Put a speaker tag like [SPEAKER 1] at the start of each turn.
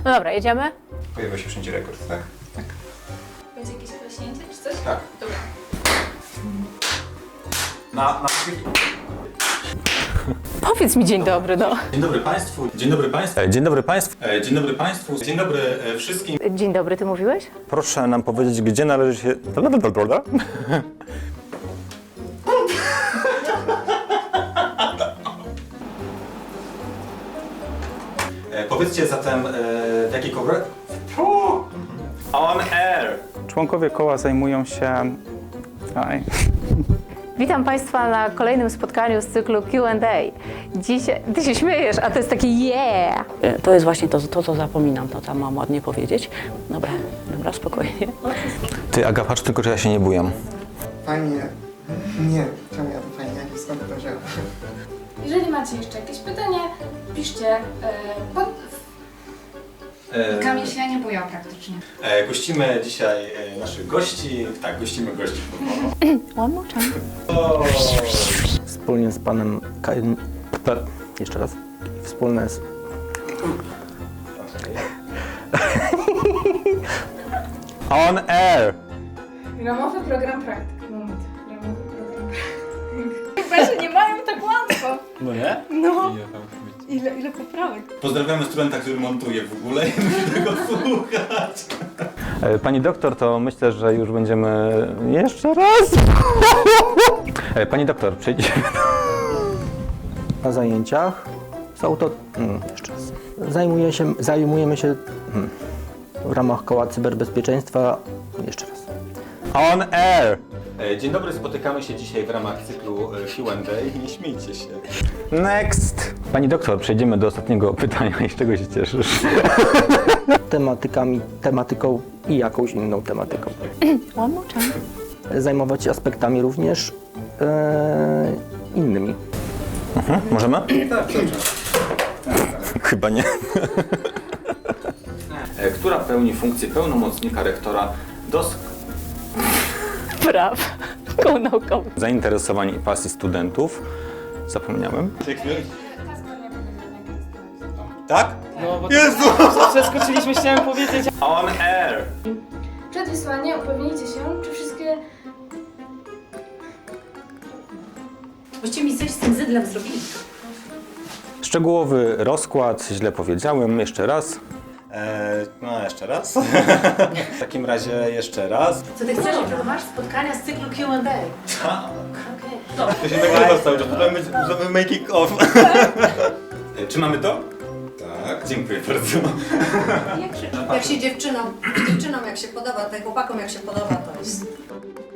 [SPEAKER 1] No dobra, jedziemy?
[SPEAKER 2] Pojawia się wszędzie rekord, tak? Tak.
[SPEAKER 3] Będzie jakieś klaśnięcie czy coś?
[SPEAKER 2] Tak.
[SPEAKER 3] Dobra.
[SPEAKER 2] Na...
[SPEAKER 1] Powiedz mi dzień dobry, no.
[SPEAKER 2] Dzień dobry Państwu. Dzień dobry Państwu. Dzień dobry Państwu. Dzień dobry Państwu. Dzień dobry wszystkim.
[SPEAKER 1] Dzień dobry, ty mówiłeś?
[SPEAKER 2] Proszę nam powiedzieć, gdzie należy się... Powiedzcie zatem, w jakiej kołach... On air!
[SPEAKER 4] Członkowie koła zajmują się... Aj.
[SPEAKER 1] Witam Państwa na kolejnym spotkaniu z cyklu Q&A. Dzisiaj... Ty się śmiejesz, a to jest takie yeah!
[SPEAKER 5] To jest właśnie to, co zapominam, to tam mam ładnie powiedzieć. Dobra, spokojnie.
[SPEAKER 2] Ty, Aga, patrz tylko, czy ja się nie bujam.
[SPEAKER 6] Fajnie. Nie, czemu ja to fajnie? Skąd to wziąłem?
[SPEAKER 3] Jeżeli macie jeszcze jakieś pytanie, piszcie pod... Kamil się nie bujał praktycznie.
[SPEAKER 2] Gościmy dzisiaj naszych gości. Tak, gościmy gości.
[SPEAKER 1] One more time.
[SPEAKER 4] Wspólnie z panem... Jeszcze raz. Wspólne z...
[SPEAKER 2] On air!
[SPEAKER 3] Ramowy program praktyk. Moment. Ramowy program praktyk. Chyba, że nie mają tak łatwo.
[SPEAKER 2] No nie?
[SPEAKER 3] No. Ile poprawek?
[SPEAKER 2] Pozdrawiamy studenta, który montuje w ogóle i musi tego słuchać.
[SPEAKER 4] Pani doktor, to myślę, że już będziemy... Jeszcze raz! Pani doktor, przejdziemy na zajęciach. Są to... Jeszcze raz. Zajmujemy się w ramach koła cyberbezpieczeństwa... Jeszcze raz.
[SPEAKER 2] On air! Dzień dobry, spotykamy się dzisiaj w ramach cyklu Q&A. Nie śmiejcie się. Next!
[SPEAKER 4] Pani doktor, przejdziemy do ostatniego pytania i z czego się cieszysz? Tematyką i jakąś inną tematyką.
[SPEAKER 1] One more time.
[SPEAKER 4] Zajmować się aspektami również innymi.
[SPEAKER 2] Możemy? Tak, chyba nie. Która pełni funkcję pełnomocnika rektora do
[SPEAKER 1] Braw. Koło naukowy.
[SPEAKER 2] zainteresowań i pasji studentów. Zapomniałem. Tak?
[SPEAKER 7] No bo
[SPEAKER 2] Jezu!
[SPEAKER 7] przeskoczyliśmy, chciałem powiedzieć.
[SPEAKER 2] On air!
[SPEAKER 3] Przed wysłaniem upewnijcie się, czy wszystkie...
[SPEAKER 5] Właściwie mi coś z tym zydlem zrobili.
[SPEAKER 2] Szczegółowy rozkład, źle powiedziałem, jeszcze raz. No, jeszcze raz. W takim razie jeszcze raz.
[SPEAKER 5] Co ty chcesz, że masz spotkania z cyklu Q&A?
[SPEAKER 2] Tak.
[SPEAKER 5] Okej. Dobra.
[SPEAKER 2] To się nagrywa cały czas, możemy making of. Czy mamy to? Tak. Dziękuję bardzo.
[SPEAKER 5] Jak się dziewczynom jak się podoba, tak chłopakom jak się podoba, to jest...